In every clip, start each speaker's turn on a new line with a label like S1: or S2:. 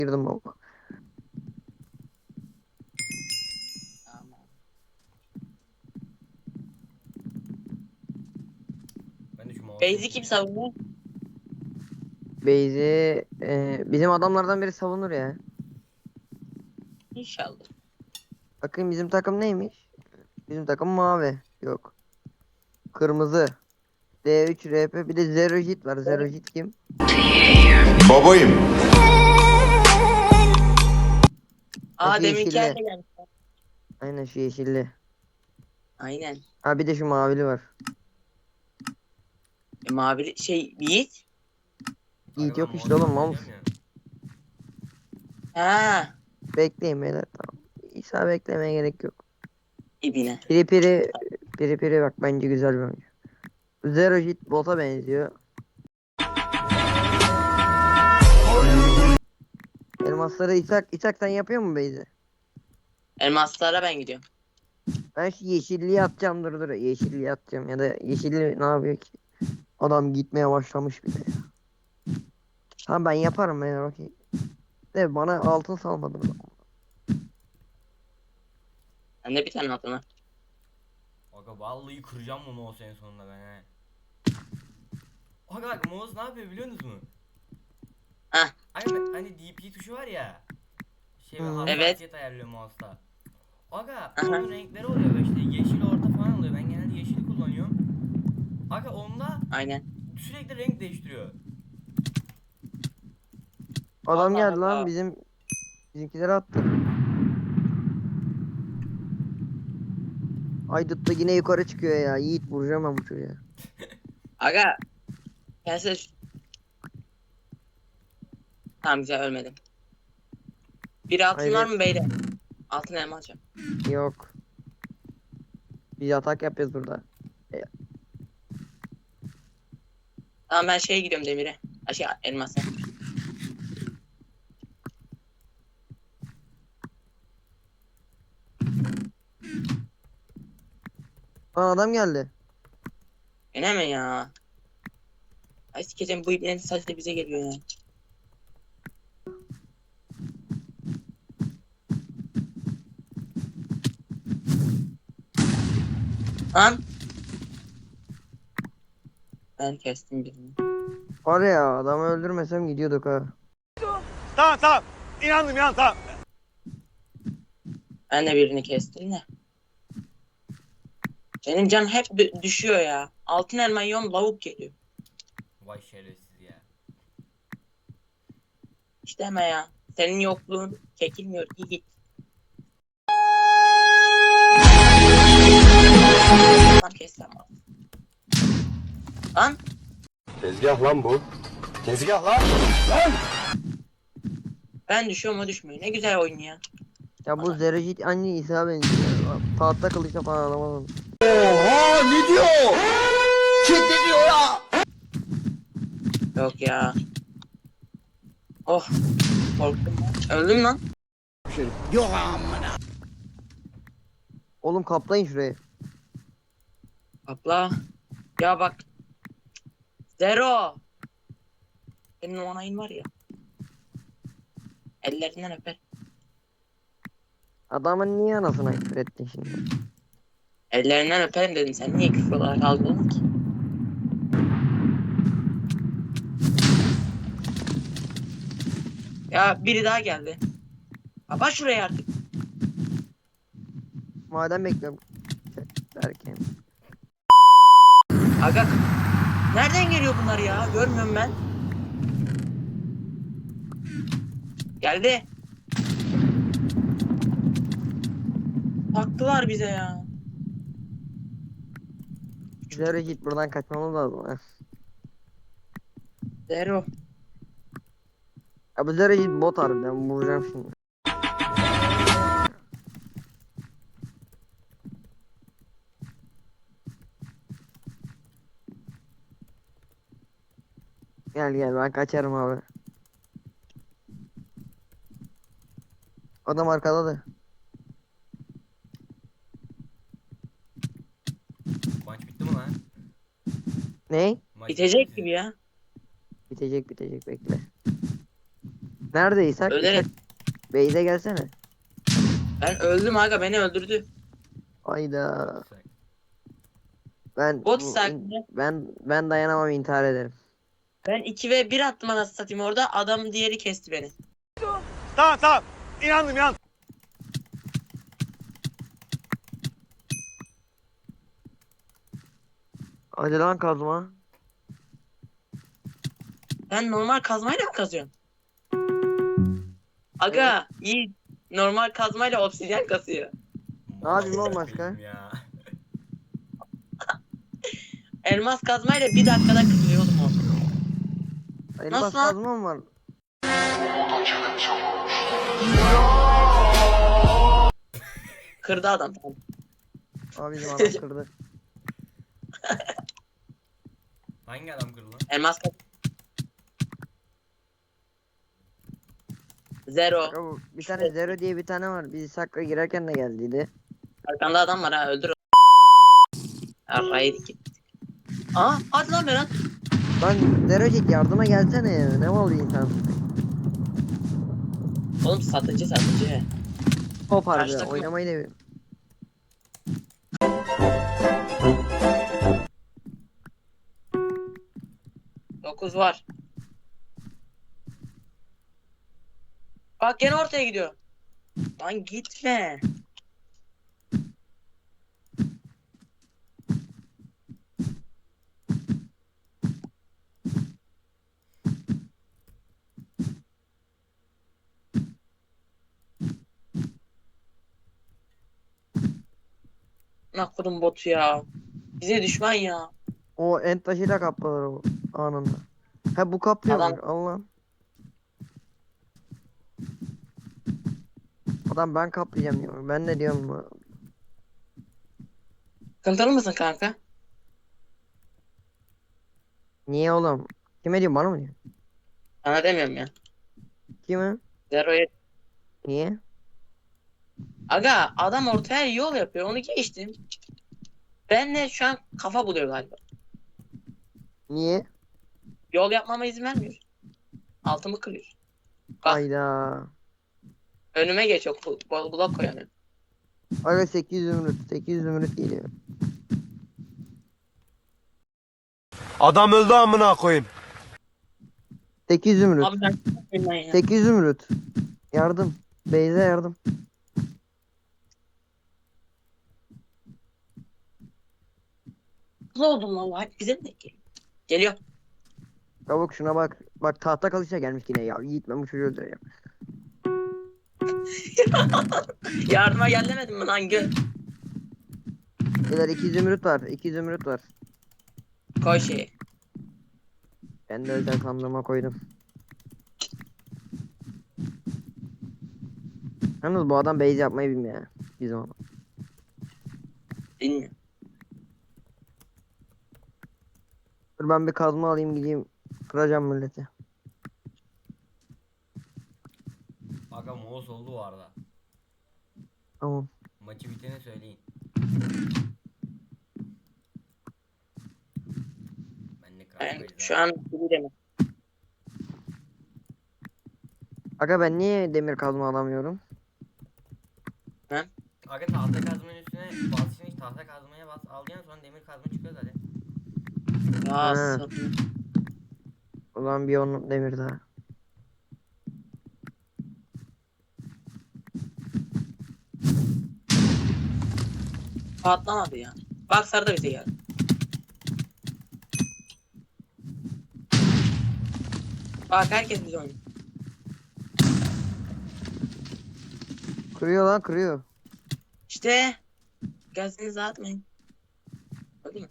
S1: Girdim baba.
S2: Tamam.
S3: Ben de şu mouse'u
S2: Beyzi kim savunuyor?
S1: Beyzi bizim adamlardan biri savunur ya.
S2: İnşallah.
S1: Bakın bizim takım neymiş? Bizim takım mavi. Yok. Kırmızı. D3 RP bir de Zero Hit var. Zero Hit kim?
S4: Babayım.
S1: Ha, şu
S2: Deminkiler
S1: yeşilli.
S2: de gelmiş.
S1: Aynen şu yeşilli.
S2: Aynen.
S1: Ha bir de şu mavili var.
S2: Mavi Yiğit.
S1: Yiğit
S3: Aga ben
S1: yok işte
S3: mouse'u
S1: oğlum mouse.
S3: oynayacağım ya.
S2: Ha.
S1: Bekleyin beyler tamam. İsa beklemeye gerek yok.
S2: İbine.
S1: Piri bak bence güzel bir oyuncu. Zero Hit bota benziyor. Elmasları İshak sen yapıyor mu Beyzi?
S2: Elmaslara ben gidiyorum.
S1: Ben şu yeşilliği atacağım dur. Yeşilliği atacağım ya da yeşilli ne yapıyor ki? Adam gitmeye başlamış bile ya. Tamam ben yaparım ya bakayım. De bana altın salmadın.
S2: Ben de bir tane altın var.
S3: Aga vallahi kıracağım bu mouse en sonunda ben he. Aga bak mouse ne yapıyor biliyor musunuz?
S2: Hah.
S3: Hani DP tuşu var ya. Şey
S1: Hı.
S3: hassasiyet ayarlıyor mouse'ta. Aga
S2: Aha.
S3: onun renkleri oluyor böyle işte yeşil orta falan oluyor. Ben genelde yeşili kullanıyorum. Aga onda
S2: Aynen.
S3: sürekli renk değiştiriyor.
S1: Adam
S2: Allah
S1: geldi lan
S2: Allah.
S1: bizimkileri attı. Aydut da yine yukarı çıkıyor ya. Yiğit vuracağım ben bu çocuğa.
S2: Aga. Gelse tamam güzel ölmedim. Bir altın var
S1: Hayret
S2: mı beyler? Altın elma alacağım.
S1: yok. Biz atak yapıyoruz burada.
S2: Tamam ben şeye gidiyorum demire. Elmasa.
S1: Lan adam geldi.
S2: Gene mi ya? Ay sikeceğim bu iplerin sadece bize geliyor ya. Lan. Ben kestim birini.
S1: Var ya adamı öldürmesem gidiyorduk ha.
S4: Tamam. İnandım tamam.
S2: Ben de birini kestim de. Benim can hep düşüyor ya. Altın elma yiyorum lavuk geliyor.
S3: Vay şerefsiz ya.
S2: İşte hemen ya. Senin yokluğun çekilmiyor. İyi git. Lan kes sen bana. Lan.
S4: Tezgah lan bu. Tezgah lan.
S2: Ben düşüyorum o düşmüyor. Ne güzel oyun ya.
S1: Ya bu Zero Hit anne İsa benziyor. Tahta kılıçla falan alamadım.
S4: Oha ne diyor? Kim diyor ya?
S2: Yok ya. Oh. Korktum lan. Öldüm lan.
S4: Yok amına.
S1: Oğlum kaplayın şurayı.
S2: Abla. Ya bak. Zero. Senin o onayın var ya. Ellerinden öper.
S1: Adamın niye anasına küfür ettin şimdi?
S2: Ellerinden öperim dedim. Sen niye küfür olarak algıladın ki? Ya biri daha geldi. Kapat şurayı artık.
S1: Madem bekliyorum. Derken.
S2: Aga. Nereden geliyor bunlar ya? Görmüyorum ben. Geldi. Taktılar bize ya.
S1: Zero Hit buradan kaçmamız lazım. Ha.
S2: Zero.
S1: Ya bu Zero Hit bot harbiden vuracağım şimdi. Gel ben kaçarım abi. Adam arkadadı.
S3: Maç bitti mi lan?
S1: Ne?
S3: Maç bitti mi
S2: Bitecek
S3: sizin?
S2: gibi ya.
S1: Bitecek bekle. Neredeysen
S2: Ölerek.
S1: Beyze gelsene.
S2: Ben öldüm aga, beni öldürdü.
S1: Ayda. Ben
S2: Bot
S1: bu-
S2: sakin.
S1: ben dayanamam, intihar ederim.
S2: Ben 2 ve 1 attım anasını satayım orada. Adam diğeri kesti beni.
S4: Tamam tamam. İnandım inandım.
S1: Hadi lan kazma.
S2: Ben normal kazmayla mı kazıyorum? Aga iyi. Normal kazmayla obsidyen kasıyor.
S1: Ne yapayım oğlum başka?
S3: Ya.
S2: Elmas kazmayla 1 dakikada kırılıyor oğlum o.
S1: Elmas
S2: Nasıl lan?
S1: kazmam var.
S2: Kırdı adam. Tamam.
S1: Abi bizim adam kırdı.
S3: Hangi adam kırdı lan?
S2: Elmas kaz. Zero.
S1: Ya bu bir tane Zero diye bir tane var. Biz Sakra girerken de geldiydi.
S2: Arkanda adam var ha, öldür onu. Arrayı dik. Aa hadi lan Berat.
S1: Lan Zerocik yardıma gelsene ya. Ne mal bir insan.
S2: Oğlum satıcı.
S1: Hop harbi
S2: Karşı takım-
S1: oynamayı da bilmiyorum.
S2: 9 var. Bak gene ortaya gidiyor. Lan gitme. Nakudum botu ya. Bize düşman ya.
S1: O end taşıyla kapladılar o anında. Ha bu kaplıyormuş
S2: Adam-
S1: Allah. Adam ben kaplayacağım diyor. Ben de diyorum bu.
S2: Sıkıntılı mısın kanka?
S1: Niye oğlum? Kime diyorsun, bana mı diyor?
S2: Sana demiyorum ya.
S1: Kime?
S2: Zero'ya.
S1: Niye?
S2: Aga adam ortaya yol yapıyor. Onu geçtim. Benle şu an kafa buluyor galiba.
S1: Niye?
S2: Yol yapmama izin vermiyor. Altımı kırıyor. Bak.
S1: Hayda.
S2: Önüme geç o blok koyamıyorum.
S1: Aga 800 zümrüt. 800 zümrüt geliyor.
S4: Adam öldü amına koyayım.
S1: 800 zümrüt.
S2: Abi ben ben ya.
S1: 800 zümrüt. Yardım. Beyze yardım.
S2: Hızlı oldum vallahi. Bize mi denk geliyor? Geliyor.
S1: Çabuk şuna bak. Bak tahta kalışa gelmiş yine ya. Yiğit ben bu çocuğu öldüreceğim.
S2: Yardıma gel demedim mi lan gel.
S1: Beyler 200 zümrüt var. 200 zümrüt var.
S2: Koy şeyi.
S1: Ben de özel sandığıma koydum. Yalnız bu adam base yapmayı bilmiyor ya. Bizim adam.
S2: Bilmiyorum.
S1: Dur ben bir kazma alayım gideyim. Kıracağım milleti.
S3: Aga mouse oldu bu arada.
S1: Tamam.
S3: Maçı biteni söyleyin. Ben de
S2: Ben
S3: kral
S2: şu an bilmiyorum.
S1: Aga ben niye demir kazma alamıyorum?
S3: Aga tahta kazmanın üstüne basacaksın, hiç tahta kazmaya bas, alacaksın, sonra demir kazma çıkıyor zaten.
S2: Ya
S1: Ha.
S2: sapı.
S1: O zaman bir on demir daha.
S2: Patlamadı ya. Bak sarı da bize geldi. Bak herkes bize oynuyor.
S1: Kırıyor lan, kırıyor.
S2: İşte gazınızı atmayın. Öyle mi?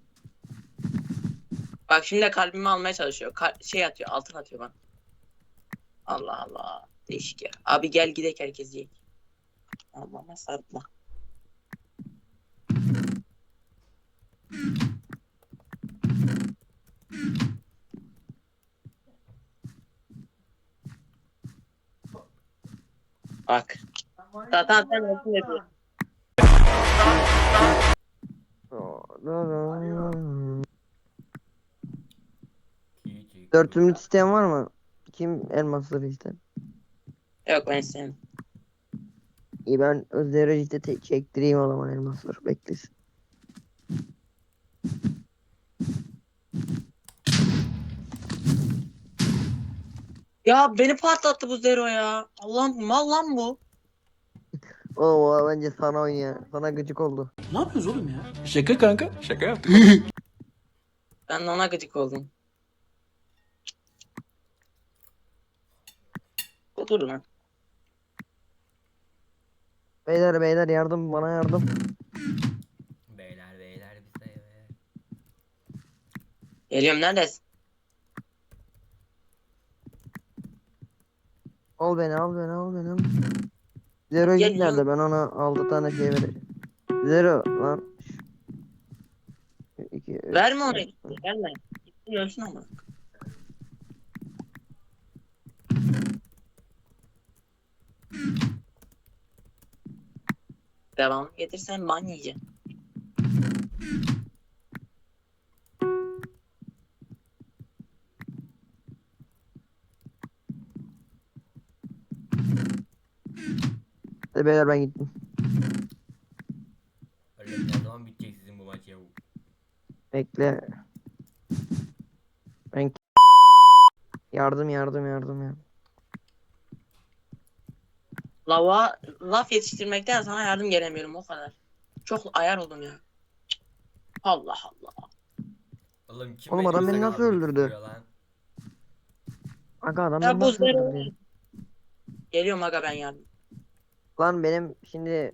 S2: Bak şimdi de kalbimi almaya çalışıyor. Şey atıyor, altın atıyor bana. Allah Allah. Değişik ya. Abi gel gidek herkes yiyek. Allah'ıma sarılma. Bak. Zaten sen olsun yapıyor.
S3: Küçük.
S1: 4 zümrüt isteyen var mı? Kim elmasları ister?
S2: Yok ben istemem.
S1: İyi ben Zerojit'e çektireyim o zaman elmasları beklesin.
S2: Ya beni patlattı bu Zero ya. Allah'ım mal lan bu.
S1: Oo bence sana oynuyor. Sana gıcık oldu.
S4: Ne yapıyoruz oğlum ya? Şaka kanka. Şaka yaptık.
S2: Ben de ona gıcık oldum. Dur lan.
S1: Beyler beyler yardım bana yardım.
S3: Beyler beyler bize beyler.
S2: Geliyorum neredesin?
S1: Al beni al beni al beni al. Zerojit
S2: Gel,
S1: nerede? Ben ona 6 tane şey vereceğim. Zero lan. 2, 3.
S2: Verme onu. Verme. Gitsin ölsün ama. Devam getirsen ban yiyeceğim.
S1: Beyler ben gittim.
S3: Öyle ne zaman bitecek sizin bu maç ya?
S1: Bekle. Ben yardım yardım yardım ya.
S2: Laf yetiştirmekten sana yardım gelemiyorum o kadar. Çok ayar oldum ya. Allah Allah.
S3: Oğlum kim
S1: Oğlum adam beni
S3: Medusa
S1: nasıl
S3: kaldırıp
S1: öldürdü?
S3: duruyor lan?
S1: Aga adam
S2: Ya
S1: beni
S2: bu
S1: nasıl
S2: Zero.
S1: öldürdü ya?
S2: Geliyorum aga ben yardım.
S1: Lan benim şimdi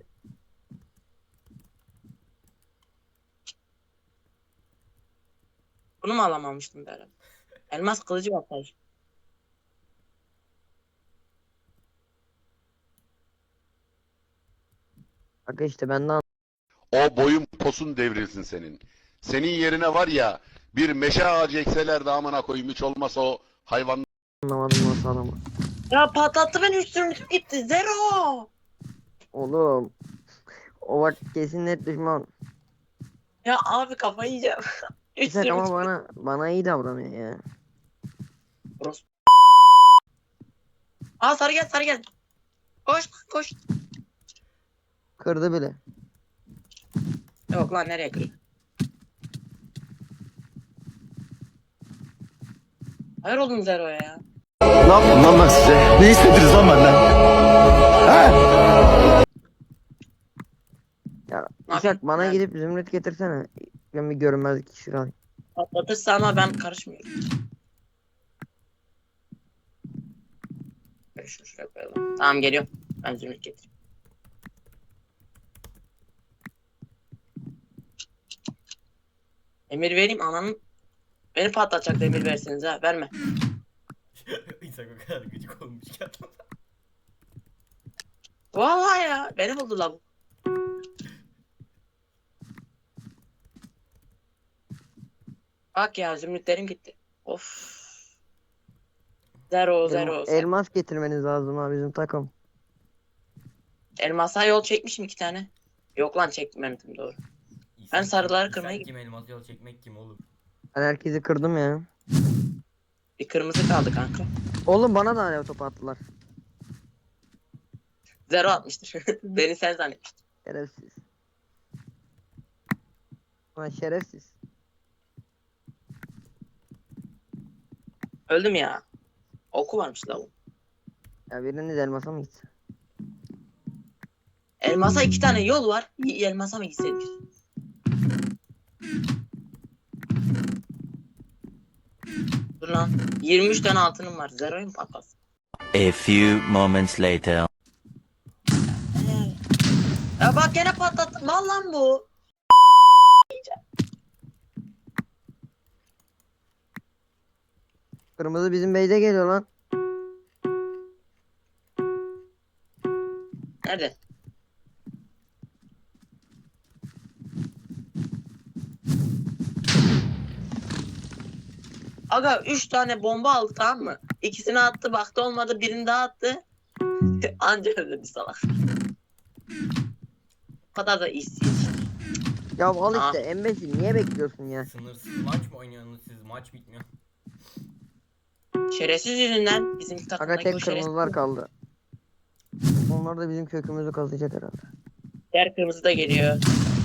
S2: Bunu mu alamamıştım Berat? Elmas kılıcı bakar.
S1: aga işte benden
S5: O boyun posun devrilsin senin. Senin yerine var ya bir meşe ağacı ekseler de amına koyayım hiç olmasa o hayvan
S1: anlamadım nasıl adamı.
S2: Ya patlattı beni üstüme gitti. Zero.
S1: Oğlum. O vakit kesin net düşman.
S2: Ya abi kafayı yiyeceğim.
S1: İshak ama
S2: Üstüme
S1: bana iyi davranıyor ya.
S2: Orospu. Aa sarı gel sarı gel. Koş koş.
S1: Kırdı bile.
S2: Yok lan nereye kırıyor? Hayır oldum Zero'ya ya.
S4: Ne yaptım lan ben size? Ne istediniz lan benden? Ha?
S1: Ya
S2: Ne
S1: İshak
S2: yapayım?
S1: bana
S2: Nerede?
S1: gidip zümrüt getirsene. Ben bir görünmezlik iksiri alayım.
S2: Patlatırsa ama ben karışmıyorum. Şuraya koyalım. Tamam geliyorum. Ben zümrüt getireyim. Emir vereyim ananın. Beni patlatacak da emir verseniz ha. Verme.
S3: İnsan o kadar gıcık olmuş ki adam.
S2: Vallahi ya. Beni buldu la bu. Bak ya zümrütlerim gitti. Of. Zero zero.
S1: Elmas getirmeniz lazım ha bizim takım.
S2: Elmasa yol çekmişim 2 tane. Yok lan çekmedim doğru. Ben sarıları kırmaya
S3: kim elmas yol çekmek kim oğlum?
S1: Ben herkesi kırdım ya.
S2: Bir kırmızı kaldı kanka.
S1: Oğlum bana da alev topu attılar.
S2: Zero atmıştır. Beni sen zannetmiştin.
S1: Şerefsiz. Ulan şerefsiz.
S2: Öldüm ya. Oku varmış la bu.
S1: Ya biriniz elmasa mı gitsin?
S2: Elmasa 2 tane yol var. Elmasa mı gitseydik? Dur lan. 23 tane altınım var. Zero'yu mu patlasın?
S6: A few moments later.
S2: Ya bak gene patlattım. Mal lan bu.
S1: Kırmızı bizim beyde geliyor lan.
S2: Nerede? Aga 3 tane bomba aldı tamam mı? İkisini attı baktı olmadı birini daha attı. Anca öldü bir salak. O kadar da işsiz.
S1: Ya al
S2: Aa.
S1: işte embesil niye bekliyorsun ya?
S3: Sınırsız maç mı oynuyorsunuz siz? Maç bitmiyor.
S2: Şerefsiz yüzünden bizim
S1: Aga
S2: takımdaki o
S1: tek
S2: şerefsiz.
S1: kırmızılar kaldı. Onlar da bizim kökümüzü kazıyacak herhalde.
S2: Diğer kırmızı da geliyor.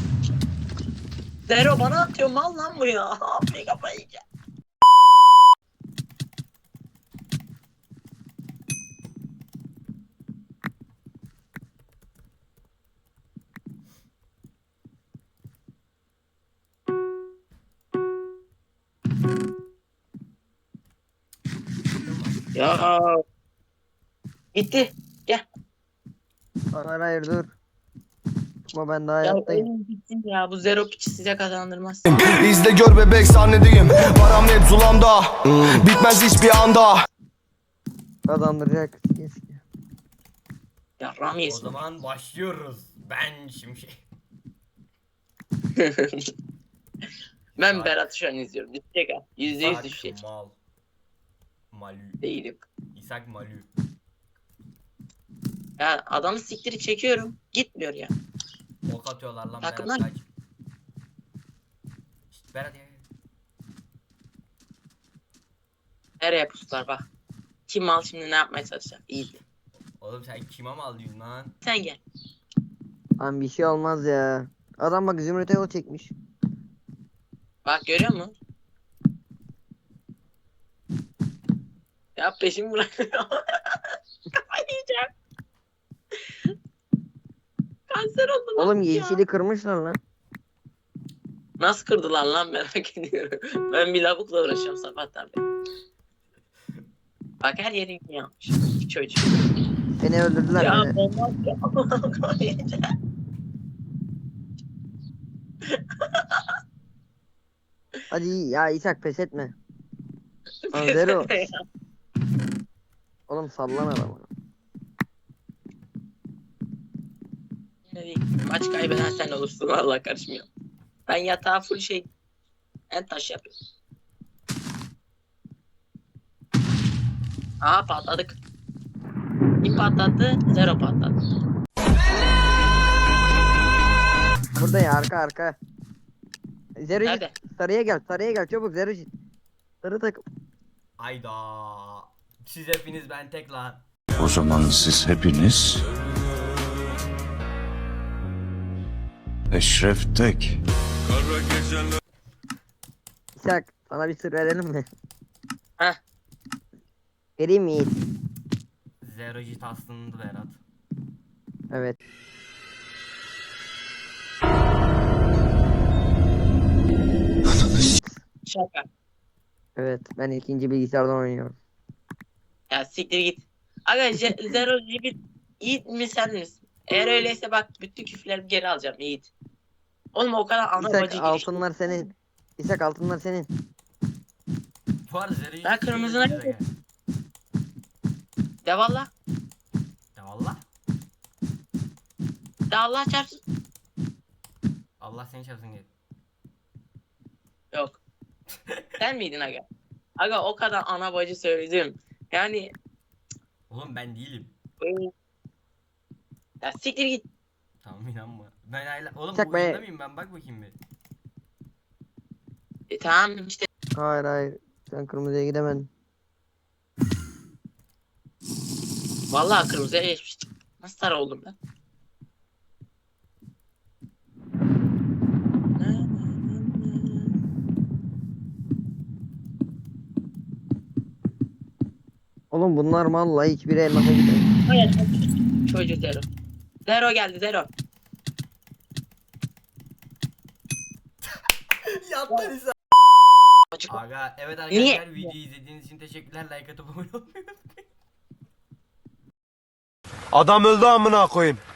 S2: Zero bana atıyor mal lan bu ya. Abi kafayı yiyeceğim. Ya gitti. Gel.
S1: Hayır hayır dur. Ama ben daha
S2: Ya
S1: hayattayım.
S2: oyun bitsin ya. Bu zero piçi size kazandırmaz.
S4: İzle gör bebek sahnedeyim. Param hep zulamda. Bitmez hiçbir anda.
S1: Kazandıracak. Keşke.
S2: Ya Ram
S3: O
S2: yesin.
S3: zaman başlıyoruz. Ben Şimşek.
S2: Ben Berat'ı şu an izliyorum. Düşecek ha. %100
S3: İshak
S2: düşecek.
S3: Mal. Malü.
S2: Değilim.
S3: İshak Malü.
S2: Ya adamı siktiri çekiyorum. Gitmiyor ya.
S3: Ok atıyorlar lan
S2: Takımlar-
S3: Berat kaç. Şşt, Berat ya.
S2: Nereye puslar bak. Kim mal şimdi ne yapmaya çalışacak? İyi.
S3: Oğlum sen kime mal diyorsun lan?
S2: Sen gel.
S1: Lan bir şey olmaz ya. Adam bak Zümrüt'e yol çekmiş.
S2: Bak görüyor musun? Ya peşimi bırakıyor. Kafayı yiyeceğim. Kanser oldum.
S1: Oğlum
S2: ya.
S1: yeşili kırmışlar lan.
S2: Nasıl kırdılar lan merak ediyorum. Ben bir lavukla uğraşıyorum sabahtan beri. Bak her yerin yanmış. Çocuk.
S1: Beni öldürdüler
S2: Ya
S1: beni.
S2: olmaz ya.
S1: Hadi ya İshak pes etme. Lan Zero. Oğlum sallan adamı.
S2: Maç kaybeden sen olursun vallahi karışmıyor. Ben yatağa full şey en taş yapıyorum. Aha patladık. Kim patlattı? Zero patlattı.
S1: Burada ya arka. Zero
S2: Nerede?
S1: sarıya gel çabuk Zero. Sarı takım.
S3: Ayda. Siz hepiniz ben tek lan.
S7: O zaman siz hepiniz Eşref Tek.
S1: İshak sana bir sır verelim mi?
S2: Heh.
S1: Vereyim mi Yiğit?
S3: Zero jit aslında Berat.
S1: Evet.
S2: Şaka.
S1: Evet ben ikinci bilgisayardan oynuyorum.
S2: Ya siktir git. Aga Zero bir Yiğit mi sen misin? Eğer öyleyse bak bütün küfürlerimi geri alacağım Yiğit. Oğlum o kadar ana
S1: İshak
S2: bacı girişti.
S1: altınlar senin. İshak altınlar senin.
S3: Bu arada Zero jit.
S2: Ben kırmızına
S3: gel.
S2: De valla.
S3: Ya valla.
S2: De Allah çarpsın.
S3: Allah seni çarpsın gel.
S2: Yok. Sen miydin aga? Aga o kadar ana bacı söyledim. Yani
S3: Oğlum ben değilim.
S2: ya siktir git.
S3: Tamam inanma. Ben hala... Oğlum
S1: Çak
S3: bu
S1: be.
S3: oyunda mıyım ben? Bak bakayım bir.
S2: Tamam işte.
S1: Hayır. Sen kırmızıya gidemedin.
S2: Vallahi kırmızıya geçmiştim. Nasıl sarı oldum ben?
S1: Oğlum bunlar vallahi hiçbiri elmasa gidemedi.
S2: Hayır. Çocuğu Zero. Zero geldi Zero.
S3: Yattın İsa.
S2: Çocuk.
S3: Aga evet
S2: Niye?
S3: arkadaşlar videoyu izlediğiniz için teşekkürler. Like atıp abone olmayı unutmayın.
S7: Adam öldü amına koyayım.